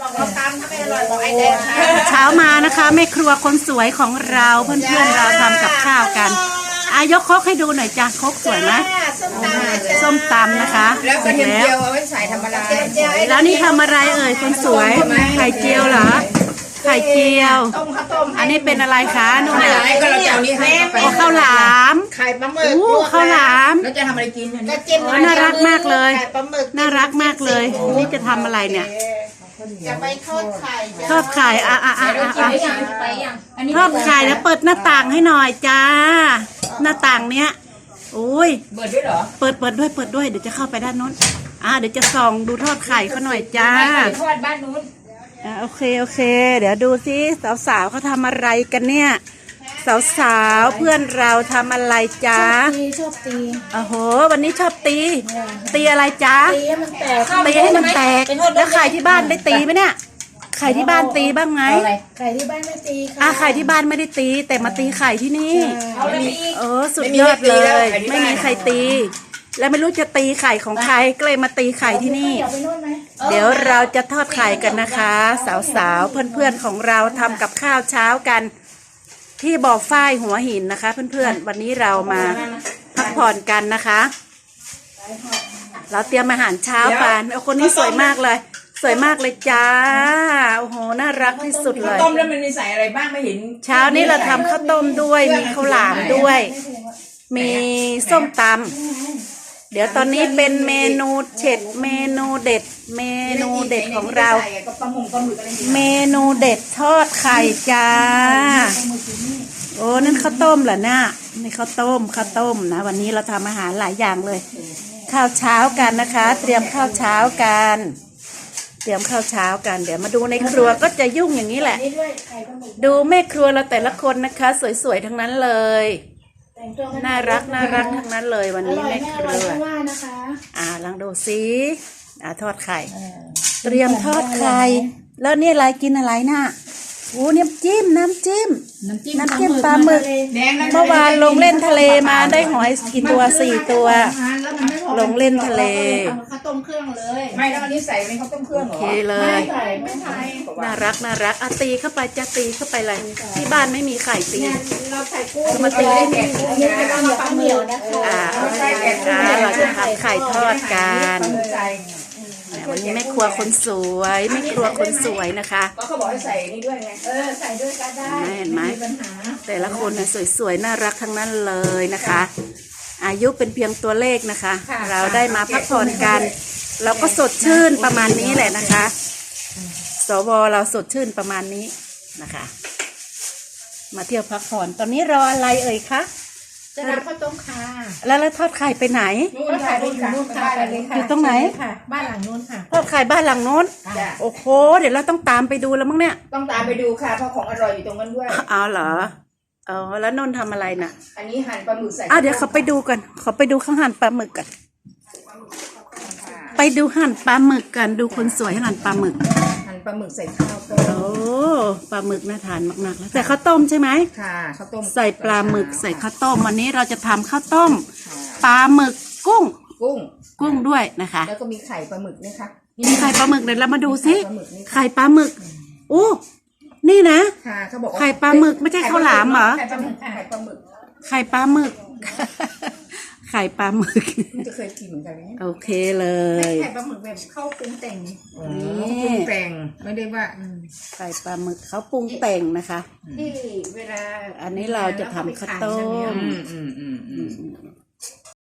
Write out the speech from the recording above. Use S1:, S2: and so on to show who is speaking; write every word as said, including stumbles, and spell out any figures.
S1: เราตำถ้าไม่อร่อยบอกไอ้แดง
S2: เช้ามานะคะแม่ครัวคนสวยของเราเพื่อนๆเราทำกับข้าวกันอายกครกให้ดูหน่อยจ้ะครกสวยไหมส้มตำนะคะ
S1: แล้วกระเทียมเจียวเอาไว้ใส่ทำอะไร
S2: แล้วนี่ทำอะไรเอ่ยคนสวยไข่เจียวเหรอไข่เจียวอันนี้เป็นอะไรคะนุ่นเนี่ย
S1: ก็เราจะเอานี้ให้
S2: โอ้ข้าวหลาม
S1: ไข่ปลาหมึก
S2: อู้ข้าวหลาม
S1: แล้วจะทำอะไรกิน
S2: ก็จิ้มน่ารักมากเลยน่ารักมากเลยนี่จะทำอะไรเนี่ย
S1: จะไปทอดไข่
S2: ทอดไข่อ่ะอ่ะอ่ะอ่ะทอดไข่แล้วเปิดหน้าต่างให้หน่อยจ้าหน้าต่างเนี้ยโอ้ย
S1: เปิดด้วยเหรอ
S2: เปิดเปิดด้วยเปิดด้วยเดี๋ยวจะเข้าไปด้านโน้นอ่าเดี๋ยวจะส่องดูทอดไข่เขาหน่อยจ้า
S1: ทอดบ้านนู้น
S2: อ่าโอเคโอเคเดี๋ยวดูซิสาวๆเขาทำอะไรกันเนี่ยสาวๆเพื่อนเราทำอะไรจ้า
S3: ชอบตี
S2: โอ้โหวันนี้ชอบตีตีอะไรจ้า
S3: ตีให้มันแตก
S2: ตีให้มันแตกแล้วไข่ที่บ้านได้ตีไหมเนี่ยไข่ที่บ้านตีบ้างไหม
S3: ไข่ที่บ้านไม่ตีค่ะ
S2: อ่ะไข่ที่บ้านไม่ได้ตีแต่มาตีไข่ที่นี่เออสุดยอดเลยไม่มีใครตีแล้วไม่รู้จะตีไข่ของใครก็เลยมาตีไข่ที่นี่เดี๋ยวเราจะทอดไข่กันนะคะสาวๆเพื่อนๆของเราทำกับข้าวเช้ากันที่บ่อฝ้ายหัวหินนะคะเพื่อนๆวันนี้เรามาพักผ่อนกันนะคะเราเตรียมอาหารเช้ากันโอ้คนนี้สวยมากเลยสวยมากเลยจ้าโอ้โหน่ารักที่สุดเลย
S1: ต้มแล้วมันมีใส่อะไรบ้างไม่เห็น
S2: เช้านี้เราทำข้าวต้มด้วยมีข้าวหลามด้วยมีส้มตำเดี๋ยวตอนนี้เป็นเมนูเด็ดเมนูเด็ดเมนูเด็ดของเราเมนูเด็ดทอดไข่จ้าโอ้นั่นข้าวต้มเหรอเนี่ยนี่ข้าวต้มข้าวต้มนะวันนี้เราทำอาหารหลายอย่างเลยข้าวเช้ากันนะคะเตรียมข้าวเช้ากันเตรียมข้าวเช้ากันเดี๋ยวมาดูในครัวก็จะยุ่งอย่างนี้แหละดูแม่ครัวเราแต่ละคนนะคะสวยๆทั้งนั้นเลยน่ารักน่ารักทั้งนั้นเลยวันนี้แม่ครัวอ่าลองดูซิอ่าทอดไข่เตรียมทอดไข่แล้วนี่อะไรกินอะไรน่ะโอ้น้ำจิ้มน้ำจิ้มน้ำจิ้มปลาหมึกเมื่อวานลงเล่นทะเลมาได้หอยกี่ตัวสี่ตัวลงเล่นทะเล
S1: ข้าวต้มเครื่องเลยไม่แล้วอันนี้ใส่เป็นข้าวต้มเครื่องเหรอ
S2: โอเคเลยน่ารักน่ารักอ่ะตีเข้าไปจะตีเข้าไปเลยที่บ้านไม่มีไข่ตี
S1: เราใส่กุ้ง
S2: มาตีได้ไง
S3: ปลาเหนียวนะคะ
S2: อ่าเราจะทำไข่ทอดกันวันนี้แม่ครัวคนสวยแม่ครัวคนสวยนะคะ
S1: ก็เขาบอกให้ใส่นี่ด้วยไงเออใส่ด้วยก็ได้
S2: เห็นไหมแต่ละคนเนี่ยสวยๆน่ารักทั้งนั้นเลยนะคะอายุเป็นเพียงตัวเลขนะคะเราได้มาพักผ่อนกันเราก็สดชื่นประมาณนี้แหละนะคะสวเราสดชื่นประมาณนี้นะคะมาเที่ยวพักผ่อนตอนนี้รออะไรเอ่ยคะ
S3: จะทำข้าวต้มค่ะ
S2: แล้วแล้วทอดไข่ไปไหน
S3: ทอดไข่ไปอยู่นู่นค่ะ
S2: อยู่ตรงไหน
S3: ค่ะบ้านหลังนู้นค่ะ
S2: ทอดไข่บ้านหลังโน้นโอ้โหเดี๋ยวเราต้องตามไปดูแล้วมั้งเนี่ย
S1: ต้องตามไปดูค่ะเพราะของอร่อยอยู่ตรงนั้นด้วย
S2: เอาเหรออ๋อแล้วนนทำอะไรน่ะ
S1: อันนี้หั่นปลาหมึกใส่
S2: อ่ะเดี๋ยวเขาไปดูกันเขาไปดูเขาหั่นปลาหมึกกันไปดูหั่นปลาหมึกกันดูคนสวยหั่นปลาหมึก
S1: หั่นปลาหมึกใส่ข้าวต้ม
S2: โอ้ปลาหมึกน่าทานมากๆแล้วใส่ข้าวต้มใช่ไหม
S1: ค่ะข้าวต้ม
S2: ใส่ปลาหมึกใส่ข้าวต้มวันนี้เราจะทำข้าวต้มปลาหมึกกุ้ง
S1: กุ้ง
S2: กุ้งด้วยนะคะ
S1: แล้วก็มีไข่ปลาหมึกนะคะ
S2: มีไข่ปลาหมึกเดี๋ยวเรามาดูซิไข่ปลาหมึกโอ้นี่นะ
S1: ค่ะเขาบอก
S2: ไข่ปลาหมึกไม่ใช่ข้าวหลามเหรอ
S1: ไข่ปลาหมึกไข่ปลาหมึก
S2: ไข่ปลาหมึกไข่ปลาหมึก
S1: จะเคยกินเหมือนกันไหม
S2: โอเคเลย
S1: ไข่ปลาหมึกแบบเข้าปรุงแต่งนี่ปรุงแต่งไม่ได้ว่า
S2: ไข่ปลาหมึกเขาปรุงแต่งนะคะ
S1: ที่เวลา
S2: อันนี้เราจะทำข้าวต้ม